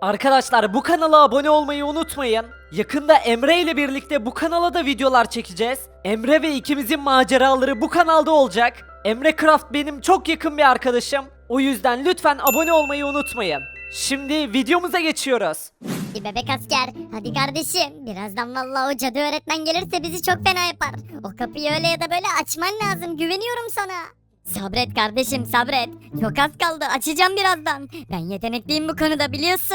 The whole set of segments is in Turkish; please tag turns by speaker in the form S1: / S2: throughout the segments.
S1: Arkadaşlar bu kanala abone olmayı unutmayın. Yakında Emre ile birlikte bu kanala da videolar çekeceğiz. Emre ve ikimizin maceraları bu kanalda olacak. Emre Craft benim çok yakın bir arkadaşım. O yüzden lütfen abone olmayı unutmayın. Şimdi videomuza geçiyoruz.
S2: Bebek asker, hadi kardeşim. Birazdan vallahi o cadı öğretmen gelirse bizi çok fena yapar. O kapıyı öyle ya da böyle açman lazım. Güveniyorum sana. Sabret kardeşim, sabret. Çok az kaldı, açacağım birazdan. Ben yetenekliyim bu konuda, biliyorsun.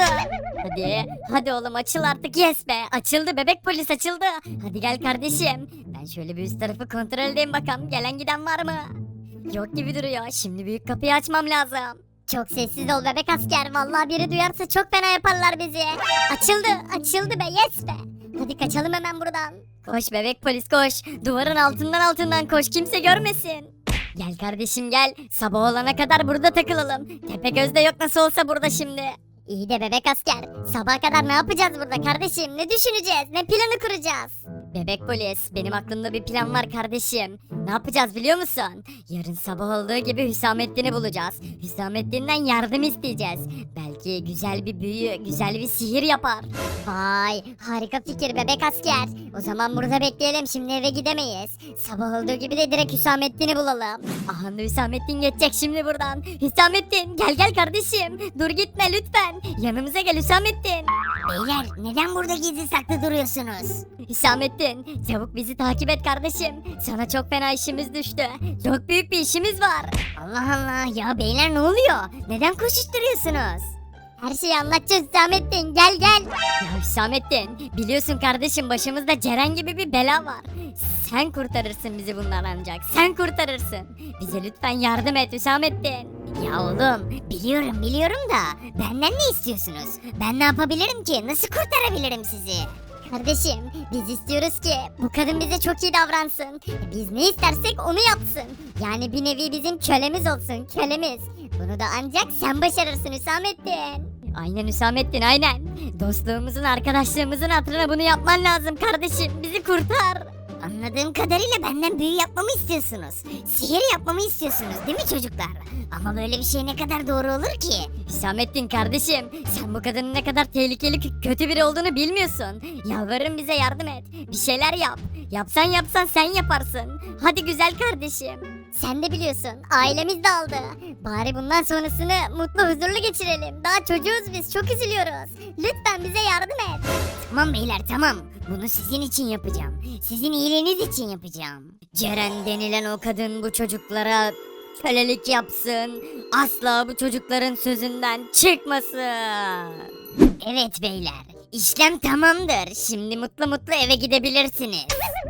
S2: Hadi oğlum, açıl artık. Yes be, açıldı, bebek polis açıldı. Hadi gel kardeşim. Ben şöyle bir üst tarafı kontrol edeyim bakalım. Gelen giden var mı? Yok gibi duruyor. Şimdi büyük kapıyı açmam lazım. Çok sessiz ol bebek asker. Vallahi biri duyarsa çok fena yaparlar bizi. Açıldı be, yes be. Hadi kaçalım hemen buradan. Koş bebek polis koş. Duvarın altından koş, kimse görmesin. Gel kardeşim gel. Sabah olana kadar burada takılalım. Tepegöz de yok nasıl olsa burada şimdi. İyi de bebek asker. Sabaha kadar ne yapacağız burada kardeşim? Ne düşüneceğiz? Ne planı kuracağız? Bebek polis, benim aklımda bir plan var kardeşim. Ne yapacağız biliyor musun? Yarın sabah olduğu gibi Hüsamettin'i bulacağız. Hüsamettin'den yardım isteyeceğiz. Belki güzel bir büyü, güzel bir sihir yapar. Vay, harika fikir bebek asker. O zaman burada bekleyelim, şimdi eve gidemeyiz. Sabah olduğu gibi de direkt Hüsamettin'i bulalım. Aha, Hüsamettin geçecek şimdi buradan. Hüsamettin gel kardeşim. Dur gitme lütfen. Yanımıza gel Hüsamettin. Beyler, neden burada gizli saklı duruyorsunuz? Hüsamettin, çabuk bizi takip et kardeşim. Sana çok fena işimiz düştü. Çok büyük bir işimiz var. Allah Allah ya beyler, ne oluyor? Neden koşuşturuyorsunuz? Her şeyi anlatacağız Hüsamettin, gel. Ya Hüsamettin, biliyorsun kardeşim, başımızda Ceren gibi bir bela var. Sen kurtarırsın bizi bundan ancak. Sen kurtarırsın. Bize lütfen yardım et Hüsamettin. Ya oğlum, biliyorum da benden ne istiyorsunuz? Ben ne yapabilirim ki? Nasıl kurtarabilirim sizi? Kardeşim, biz istiyoruz ki bu kadın bize çok iyi davransın. Biz ne istersek onu yapsın. Yani bir nevi bizim kölemiz olsun, kölemiz. Bunu da ancak sen başarırsın Hüsamettin. Aynen Hüsamettin, aynen. Dostluğumuzun, arkadaşlığımızın hatırına bunu yapman lazım kardeşim. Bizi kurtar. Anladığım kadarıyla benden büyü yapmamı istiyorsunuz. Sihir yapmamı istiyorsunuz değil mi çocuklar? Ama böyle bir şey ne kadar doğru olur ki? Hüsamettin kardeşim, sen bu kadının ne kadar tehlikeli, kötü biri olduğunu bilmiyorsun. Yalvarırım bize yardım et. Bir şeyler yap. Yapsan sen yaparsın. Hadi güzel kardeşim. Sen de biliyorsun, ailemiz dağıldı. Bari bundan sonrasını mutlu huzurlu geçirelim. Daha çocuğuz biz, çok üzülüyoruz. Lütfen bize yardım et. Tamam beyler, tamam. Bunu sizin için yapacağım. Sizin iyiliğiniz için yapacağım. Ceren denilen o kadın bu çocuklara kölelik yapsın. Asla bu çocukların sözünden çıkmasın. Evet beyler, işlem tamamdır. Şimdi mutlu eve gidebilirsiniz.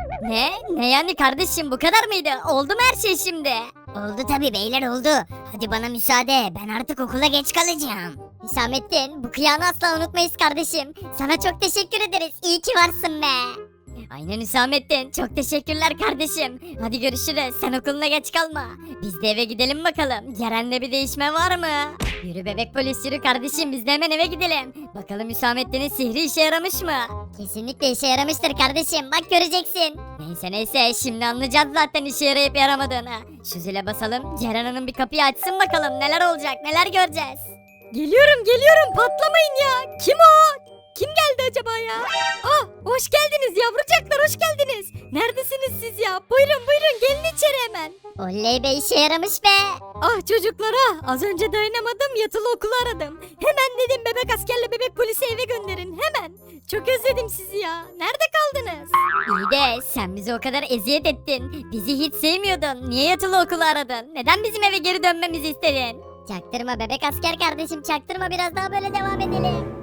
S2: Ne yani kardeşim, bu kadar mıydı? Oldu mu her şey şimdi? Oldu tabi beyler, oldu. Hadi bana müsaade, ben artık okula geç kalacağım. Hüsamettin, bu kıyanı asla unutmayız kardeşim. Sana çok teşekkür ederiz, iyi ki varsın be. Aynen Hüsamettin, çok teşekkürler kardeşim. Hadi görüşürüz, sen okuluna geç kalma. Biz de eve gidelim bakalım. Ceren'de bir değişme var mı? Yürü bebek polis yürü kardeşim, biz de hemen eve gidelim. Bakalım Hüsamettin'in sihri işe yaramış mı? Kesinlikle işe yaramıştır kardeşim, bak göreceksin. Neyse şimdi anlayacağız zaten işe yarayıp yaramadığını. Şu zile basalım, Ceren Hanım bir kapıyı açsın bakalım, neler olacak, neler göreceğiz.
S3: Geliyorum, patlamayın ya. Kim o? Kim geldi acaba ya? Ah, hoş geldiniz yavrucaklar, hoş geldiniz. Neredesiniz siz ya? Buyurun gelin içeri hemen.
S2: Oley be, işe yaramış be.
S3: Ah çocuklara, az önce dayanamadım, yatılı okulu aradım. Hemen dedim bebek askerle bebek polisi eve gönderin hemen. Çok özledim sizi ya. Nerede kaldınız?
S2: İyi de sen bizi o kadar eziyet ettin. Bizi hiç sevmiyordun. Niye yatılı okulu aradın? Neden bizim eve geri dönmemizi istedin? Çaktırma bebek asker kardeşim, çaktırma, biraz daha böyle devam edelim.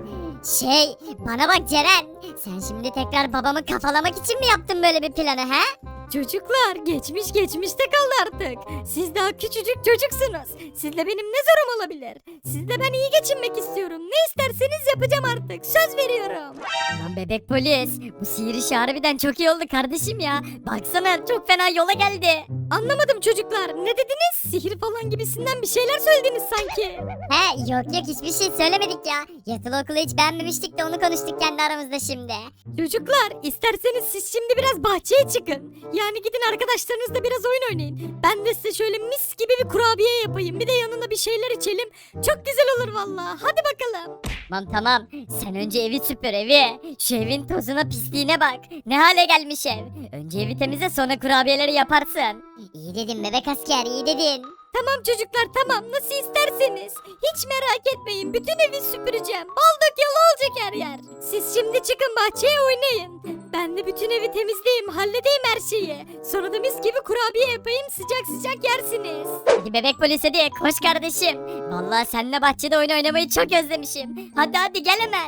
S2: Bana bak Ceren, sen şimdi tekrar babamı kafalamak için mi yaptın böyle bir planı he?
S3: Çocuklar, geçmişte kaldı artık. Siz daha küçücük çocuksunuz. Sizle benim ne zorum olabilir? Sizle ben iyi geçinmek istiyorum. Ne isterseniz yapacağım artık. Söz veriyorum.
S2: Lan Lan bebek polis, bu sihir işi harbiden çok iyi oldu kardeşim ya. Baksana çok fena yola geldi.
S3: Anlamadım çocuklar. Ne dediniz? Sihir falan gibisinden bir şeyler söylediniz sanki.
S2: He yok hiçbir şey söylemedik ya. Yatılı okulu hiç beğenmemiştik de onu konuştuk kendi aramızda şimdi.
S3: Çocuklar isterseniz siz şimdi biraz bahçeye çıkın. Yani gidin arkadaşlarınızla biraz oyun oynayın. Ben de size şöyle mis gibi bir kurabiye yapayım. Bir de yanına bir şeyler içelim. Çok güzel olur vallahi. Hadi bakalım.
S2: Tamam sen önce evi süpür evi. Şu evin tozuna pisliğine bak. Ne hale gelmiş ev. Önce evi temizle sonra kurabiyeleri yaparsın. İyi dedin bebek asker iyi dedin.
S3: Tamam çocuklar tamam nasıl isterseniz. Hiç merak etmeyin bütün evi süpüreceğim. Bal dök yalı olacak her yer. Siz şimdi çıkın bahçeye oynayın. Ben de bütün evi temizleyeyim halledeyim her şeyi. Sonra da mis gibi kurabiye yapayım sıcak sıcak yersiniz.
S2: Hadi bebek polis hadi koş kardeşim. Vallahi seninle bahçede oyun oynamayı çok özlemişim. Hadi gel hemen.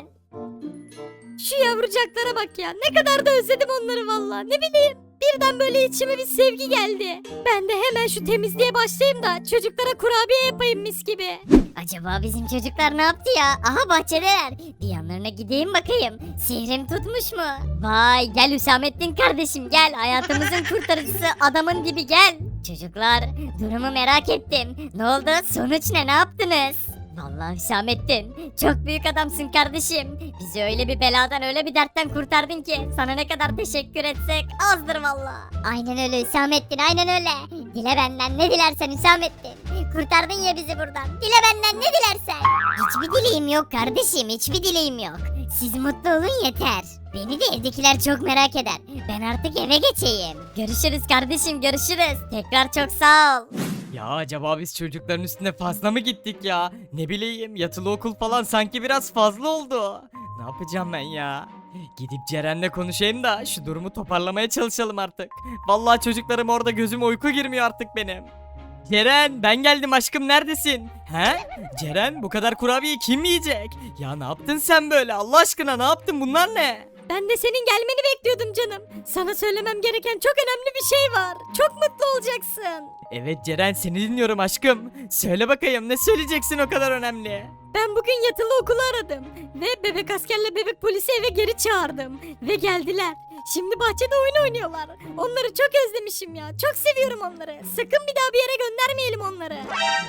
S3: Şu yavrucaklara bak ya ne kadar da özledim onları vallahi ne bileyim. Birden böyle içime bir sevgi geldi. Ben de hemen şu temizliğe başlayayım da çocuklara kurabiye yapayım mis gibi.
S2: Acaba bizim çocuklar ne yaptı ya? Aha bahçedeler. Bir yanlarına gideyim bakayım. Sihrim tutmuş mu? Vay gel Hüsamettin kardeşim gel. Hayatımızın kurtarıcısı adamın dibi gel. Çocuklar durumu merak ettim. Ne oldu? Sonuç ne? Ne yaptınız? Vallahi Hüsamettin çok büyük adamsın kardeşim. Bizi öyle bir beladan öyle bir dertten kurtardın ki sana ne kadar teşekkür etsek azdır vallahi. Aynen öyle Hüsamettin aynen öyle. Dile benden ne dilersen Hüsamettin. Kurtardın ya bizi buradan. Dile benden ne dilersen. Hiçbir dileğim yok kardeşim hiçbir dileğim yok. Siz mutlu olun yeter. Beni de evdekiler çok merak eder. Ben artık eve geçeyim. Görüşürüz kardeşim görüşürüz. Tekrar çok sağ ol.
S4: Ya acaba biz çocukların üstüne fazla mı gittik ya? Ne bileyim yatılı okul falan sanki biraz fazla oldu. Ne yapacağım ben ya? Gidip Ceren'le konuşayım da şu durumu toparlamaya çalışalım artık. Vallahi çocuklarım orada gözüme uyku girmiyor artık benim. Ceren ben geldim aşkım neredesin? He? Ceren bu kadar kurabiyeyi kim yiyecek? Ya ne yaptın sen böyle Allah aşkına ne yaptın bunlar ne?
S3: Ben de senin gelmeni bekliyordum canım. Sana söylemem gereken çok önemli bir şey var. Çok mutlu olacaksın.
S4: Evet Ceren seni dinliyorum aşkım. Söyle bakayım ne söyleyeceksin o kadar önemli?
S3: Ben bugün yatılı okulu aradım. Ve bebek askerle bebek polisi eve geri çağırdım. Ve geldiler. Şimdi bahçede oyun oynuyorlar. Onları çok özlemişim ya. Çok seviyorum onları. Sakın bir daha bir yere göndermeyelim onları.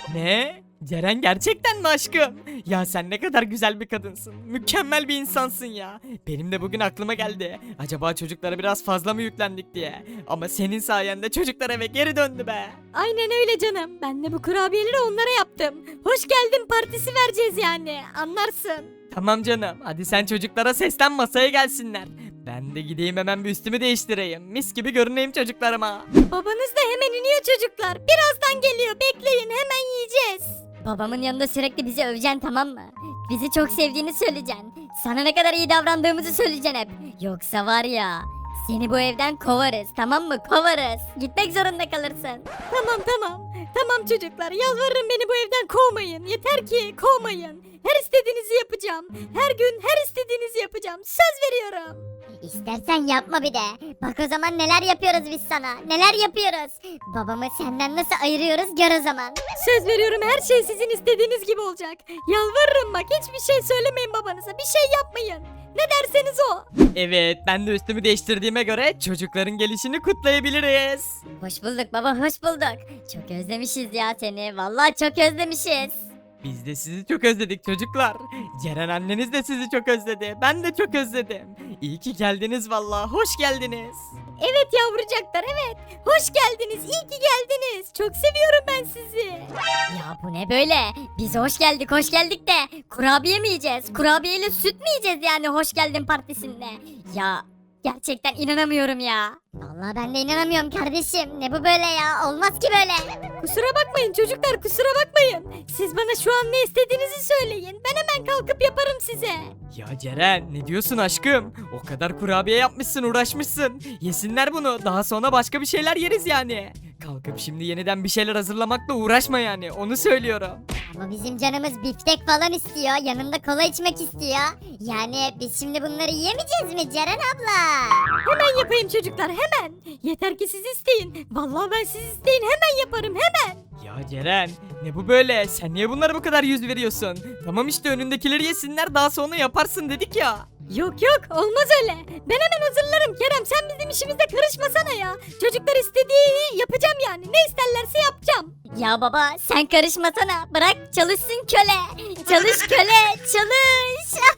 S4: Ne? Ceren gerçekten mi aşkım? Ya sen ne kadar güzel bir kadınsın. Mükemmel bir insansın ya. Benim de bugün aklıma geldi. Acaba çocuklara biraz fazla mı yüklendik diye. Ama senin sayende çocuklar eve geri döndü be.
S3: Aynen öyle canım. Ben de bu kurabiyeleri onlara yaptım. Hoş geldin partisi vereceğiz yani. Anlarsın.
S4: Tamam canım. Hadi sen çocuklara seslen masaya gelsinler. Ben de gideyim hemen bir üstümü değiştireyim. Mis gibi görüneyim çocuklarıma.
S3: Babanız da hemen iniyor çocuklar. Birazdan geliyor. Bekleyin hemen yiyeceğiz.
S2: Babamın yanında sürekli bizi öveceksin tamam mı? Bizi çok sevdiğini söyleyeceksin. Sana ne kadar iyi davrandığımızı söyleyeceksin hep. Yoksa var ya seni bu evden kovarız tamam mı? Kovarız. Gitmek zorunda kalırsın.
S3: Tamam çocuklar. Yalvarırım beni bu evden kovmayın. Yeter ki kovmayın. Her istediğinizi yapacağım. Her gün her istediğinizi yapacağım. Söz veriyorum.
S2: İstersen yapma bir de. Bak o zaman neler yapıyoruz biz sana. Neler yapıyoruz. Babamı senden nasıl ayırıyoruz gör o zaman.
S3: Söz veriyorum her şey sizin istediğiniz gibi olacak. Yalvarırım bak hiçbir şey söylemeyin babanıza. Bir şey yapmayın. Ne derseniz o.
S4: Evet ben de üstümü değiştirdiğime göre çocukların gelişini kutlayabiliriz.
S2: Hoş bulduk baba hoş bulduk. Çok özlemişiz ya seni. Vallahi çok özlemişiz.
S4: Biz de sizi çok özledik çocuklar. Ceren anneniz de sizi çok özledi. Ben de çok özledim. İyi ki geldiniz vallahi. Hoş geldiniz.
S3: Evet yavrucaklar evet. Hoş geldiniz. İyi ki geldiniz. Çok seviyorum ben sizi.
S2: Ya bu ne böyle? Biz hoş geldik de kurabiye mi yiyeceğiz? Kurabiyeyle süt mü yiyeceğiz yani hoş geldin partisinde? Ya gerçekten inanamıyorum ya. Vallahi ben de inanamıyorum kardeşim. Ne bu böyle ya? Olmaz ki böyle.
S3: Kusura bakmayın çocuklar kusura bakmayın. Siz bana şu an ne istediğinizi söyleyin. Ben hemen kalkıp yaparım size.
S4: Ya Ceren ne diyorsun aşkım? O kadar kurabiye yapmışsın uğraşmışsın. Yesinler bunu daha sonra başka bir şeyler yeriz yani. Kalkıp şimdi yeniden bir şeyler hazırlamakla uğraşma yani onu söylüyorum.
S2: Ama bizim canımız biftek falan istiyor. Yanında kola içmek istiyor. Yani biz şimdi bunları yiyemeyeceğiz mi Ceren abla?
S3: Hemen yapayım çocuklar hemen. Yeter ki siz isteyin. Vallahi ben siz isteyin hemen yaparım hemen.
S4: Ya Ceren ne bu böyle? Sen niye bunlara bu kadar yüz veriyorsun? Tamam işte önündekileri yesinler daha sonra yaparsın dedik ya.
S3: Yok yok olmaz öyle. Ben hemen hazırlarım Kerem, sen bizim işimize karışmasana ya. Çocuklar istediğini yapacağım yani, ne isterlerse yapacağım.
S2: Ya baba sen karışmasana. Bırak çalışsın köle. Çalış köle çalış.